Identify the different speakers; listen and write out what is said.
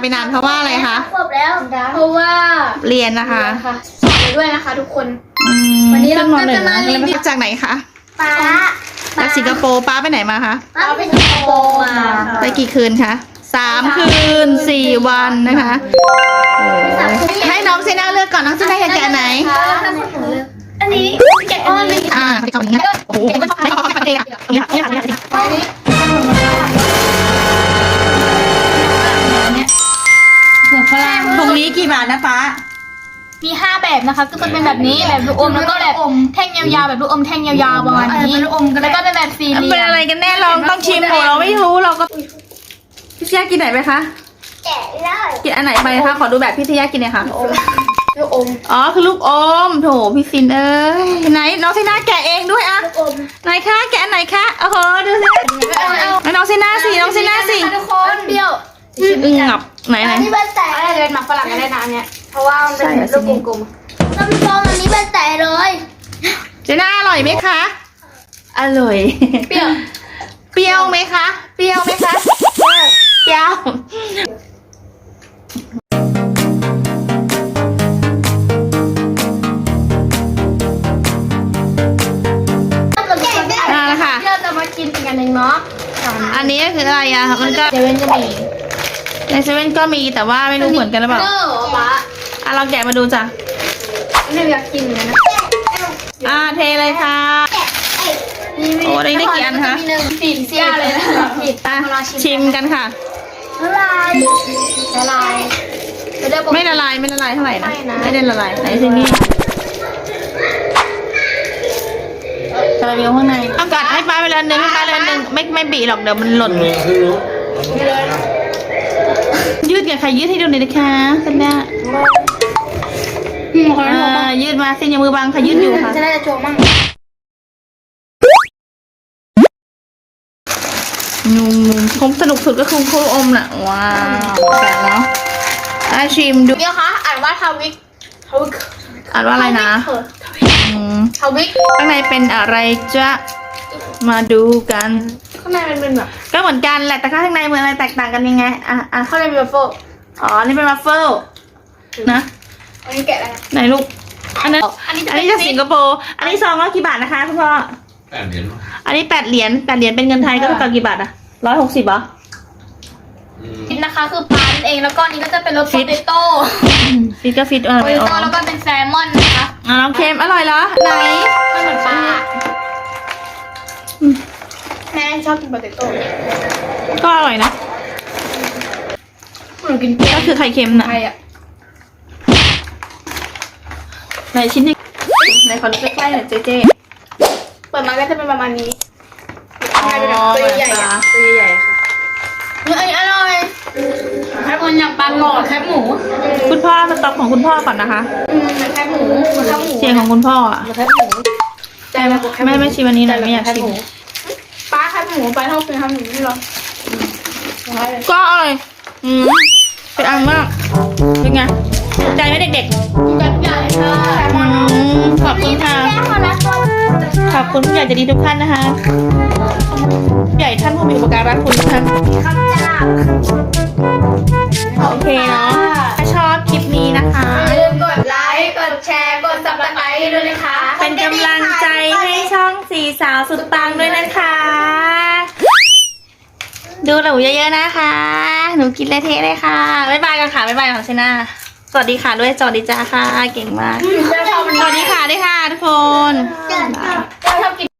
Speaker 1: นานเพราะว่าอะไรคะ
Speaker 2: ขวบแล้วเพราะว่า
Speaker 1: เรียนนะคะ
Speaker 2: สอนไปด้วยนะคะทุกคน
Speaker 1: วั
Speaker 2: วันนี้เรา
Speaker 1: ก็
Speaker 2: ก็จะมารีวิว
Speaker 1: จากไหนคะ
Speaker 2: ป้า
Speaker 1: จากสิงคโปร์ป้าไปไหนมาคะ
Speaker 2: ป้าไปสิงคโปร์มา
Speaker 1: ไปกี่คืนคะ3 คืน 4 วันนะคะให้น้องเซน่าเลือกก่อนน้องเซน่าอยากแกะไหน
Speaker 2: อันนี้แกะอ้อนเลย
Speaker 1: ไปเอาอย่างนี้โอ้โหไม่เอาไม่เอาเนี่ยเนี่ยเนี่ย
Speaker 2: อันนี้
Speaker 1: ถุงนี้กี่บาทนะป้า
Speaker 2: มี5แบบนะคะก็จะเป็นแบบนี้แบบลูกอมแล้วก็แบบแท่งยาวๆแบบลูกอมแท่งยาวๆประมาณนี้แล้วก็เป็นแบบสี่เหลี่ยม
Speaker 1: เป็นอะไรกันแน่เราต้องชิมหมดเราไม่รู้เราก็พี่เชียกินไหนไปคะ
Speaker 2: แกะได้
Speaker 1: กินอันไหนไปคะขอดูแบบพี่เชียกินหน่อยค่ะ
Speaker 2: ลูกอม
Speaker 1: อ๋อคือลูกอมโถพี่ฟินเอ้ยไหนน้องเซน่าแกะเองด้วยอะ
Speaker 2: ลูกอม
Speaker 1: ไหนคะแกะไหนคะโอ้โหดูสิน้องเซน่าสิน้องเซน่าสิ
Speaker 2: ทุกคนเปรี้ยว
Speaker 1: งับไหนไหน
Speaker 2: อันนี้เป็นแต่อะไรเป็นหมักฝรั่งก็ได้นะเนี่ยเพราะว่ามันเป็นลูกกลมๆน้ำฟองอันนี้เป็นแต่เลย
Speaker 1: เซน่าอร่อยไหมคะอร่อย
Speaker 2: เปรี้ยว
Speaker 1: เปรี้ยวไหมคะเปรี้ยวไหมคะเปรี้ยว ค่ะ
Speaker 2: ที่เราจะมากินกันเองเนาะ
Speaker 1: อันนี้คืออะไรอะมันก็
Speaker 2: เซเว่นจะมี
Speaker 1: ในเซเว่นก็มีแต่ว่าไม่รู้เหมือนกันหรือเปล่า
Speaker 2: ป๊า
Speaker 1: ลองแกะมาดูจ้ะ
Speaker 2: ไม่อยากกินเลยนะ
Speaker 1: เทเลยค่ะ โอ้ได้กี่อันคะ
Speaker 2: มีหนึ่งสี่เสี้ยเลยนะผิด
Speaker 1: ชิมกันค่ะ
Speaker 2: ละลายละลาย
Speaker 1: ไม่ละลายเท่าไหร่นะ
Speaker 2: ไม่นะ
Speaker 1: ไม่ได้ละลายไหนซินี่คาราเมลข้างในต้องกัดให้ป้าไปเลยนึงให้ป้าเลยนึงไม่บีหรอกเดี๋ยวมันหล่นยืดกับใครยืดให้ดูหน่อยนะคะกันเนี่ยยืดมาเส้นยมือบังค่ะยืดอยู่ค่ะ
Speaker 2: จะได้จะโชว์มั่ง
Speaker 1: ผมสนุกสุดก็คือคู่อมน่ะว้าวแกะแล้วชิมดู
Speaker 2: เดี๋ยวคะอ่านว่าทวิก
Speaker 1: อ่านว่าอะไรนะ
Speaker 2: ทวิก
Speaker 1: ข้างในเป็นอะไรจะมาดูกัน
Speaker 2: ข้างในมันเป็นแบบ
Speaker 1: ก็เหมือนกันแหละแต่ข้างในเหมือนอะไรแตกต่างกันยังไง
Speaker 2: ข้างในเป็นแบบโฟ
Speaker 1: อ๋อนี่เป็นวัฟเฟิลนะ
Speaker 2: อันนี้แกะอะไร
Speaker 1: ไหนลูกอันนี้จากสิงคโปร์อันนี้ซองละกี่บาทนะคะคุณพ่อ
Speaker 3: 8 เหรียญ
Speaker 1: อันนี้8 เหรียญเป็นเงินไทยก็เท่ากับกี่บาทอะ160เหรอ
Speaker 2: ฟิตนะคะคือปลาเองแล้วก็นี้ก็จะเป็นรสโปเตโต้
Speaker 1: ฟิตก็ฟิตอะไร
Speaker 2: โปเตโต้แล้วก็เป็นแซลมอนนะคะ
Speaker 1: น้องเค็มอร่อยเหรอไหน
Speaker 2: ไม่เหมือนปลาแม่ชอบกินโปเตโต้
Speaker 1: ก็อร่อยนะ
Speaker 2: หนูกินเปรี้ยว
Speaker 1: ก็คือไข่เค็มน่ะ
Speaker 2: ไทยอ่ะ
Speaker 1: ไหนชิ้นนี้ไหนขอดูใกล้ๆหน่อยเจ๊
Speaker 2: เปิดมาก็จะเป็นประมาณนี้
Speaker 1: อ๋อ
Speaker 2: ตัวใหญ่ๆอะตัวใหญ่ๆค่ะอันนี้อร่อยแคบหมูอย่างปลาหลอดแคบหมู
Speaker 1: คุณพ่อสต็อกของคุณพ่อก่อนนะคะ
Speaker 2: เหมือนแคบหมูเหมือนแคบหมู
Speaker 1: เสียงของคุณพ่ออะ
Speaker 2: เหมือนแคบหมูใจแบบแคบห
Speaker 1: ไม่ชิมอันนี้หน่อยไม่อยากชิม
Speaker 2: ปลาแคบหมูปลาเท่าเป็นแคบหมูนี่หรอ
Speaker 1: ก็อร่อยเป็นอันมากเป็นไงถูกใจไหมเด็ก
Speaker 2: กินกันใหญ่ค่ะ
Speaker 1: ๆขอบคุณค่ะขอบคุณผู้ใหญ่ใจดีทุกท่านนะคะผู้ใหญ่ท่านผู้มีอุปการะคุณทุกท่าน
Speaker 2: คำจ้า
Speaker 1: โอเคเนาะถ้าชอบคลิปนี้นะคะ
Speaker 2: อย่าลืมกดไลค์ กดแชร์ กดซับสไครต์ด้วยนะคะ
Speaker 1: เป็นกำลังใจให้ช่องสี่สาวสุดปังด้วยนะคะ ดูหนูเยอะๆนะคะ หนูกินเละๆเลยค่ะ บ๊ายบายกันค่ะบ๊ายบายของเซน่าสวัสดีค่ะด้วยสวัสดีจ้าค่ะ เก่งมาก สวัสดีค่ะด้วยค่ะทุกคน
Speaker 2: ชอบกิน